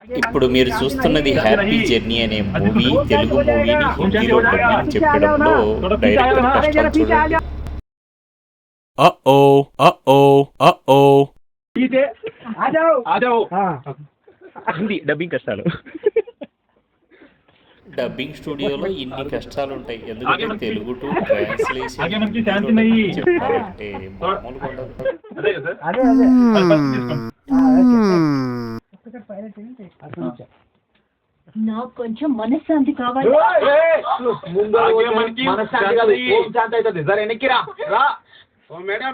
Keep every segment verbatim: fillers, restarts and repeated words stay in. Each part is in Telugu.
ఇప్పుడు మీరు చూస్తున్నది హ్యాపీ జర్నీ అనే మూవీ. తెలుగు మూవీని హిందీలో డబ్బింగ్ చెప్పడంలో డైరెక్టర్ కష్టాలు చూడండి. Uh-oh, uh-oh, uh-oh. Hindi dubbing కష్టాలు. డబ్బింగ్ స్టూడియోలో ఇన్ని కష్టాలు ఉంటాయి. ఎందుకంటే తెలుగు టు ట్రాన్స్లేషన్ చెప్పాలంటే మామూలుగా ఉండదు. నాకు కొంచెం మనశ్శాంతి కావాలి. మేడం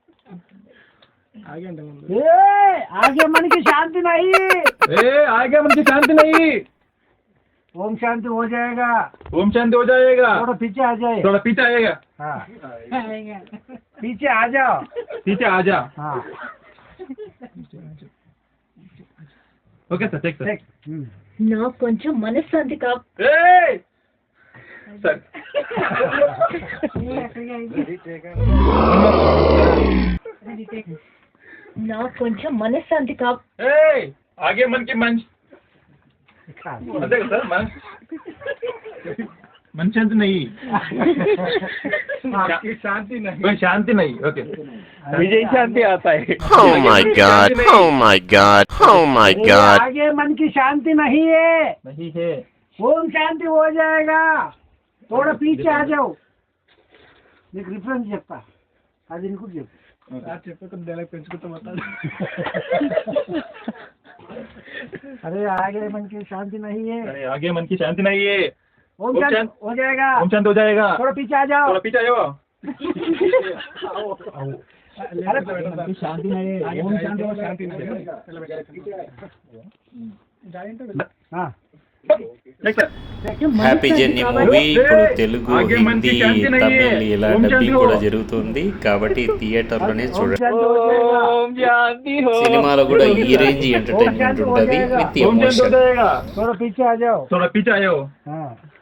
आगे मन की शांति नहीं. ए आगे मन की शांति नहीं. ओम शांति हो जाएगा. ओम शांति हो जाएगा. थोड़ा पीछे आ जाए. थोड़ा पीछे आएगा. हाँ. पीछे आ जाओ. पीछे आ जा. हाँ. Okay sir take sir. నాకు కొంచెం మనశ్శాంతి కావాలి. ए सर నాకు కొంచెం మనశ్శాంతి కావాలి. ए आगे मन की मन अरे सर मन मन शांति नहीं. शांति नहीं. शांति नहीं. ओके विजय शांति आता है. Oh my god, oh my god, oh my god. आगे मन की शांति नहीं है. नहीं है. ओम शांति हो जाएगा. थोड़ा पीछे आ जाओ. నీకు రిఫరెన్స్ చెప్తా, అది నీకు చెప్పు. अरे आगे मन की शांति नहीं है. अरे आगे मन की शांति नहीं है. ओम शांति हो जाएगा. ओम शांति हो जाएगा. थोड़ा पीछे आ जाओ. थोड़ा पीछे आ जाओ. अरे शांति नहीं है. ओम शांति हो शांति नहीं. हाँ హ్యాపీ జర్నీ మూవీ ఇప్పుడు తెలుగు, హిందీ, తమిళ్ ఇలా డబ్బింగ్ కూడా జరుగుతుంది. కాబట్టి థియేటర్లోనే చూడండి. సినిమాలో కూడా ఈ రేంజ్ ఎంటర్టైన్మెంట్ ఉంటుంది విత్ ఎమోషన్. थोड़ा पीछे आ जाओ. थोड़ा पीछे आ जाओ. हाँ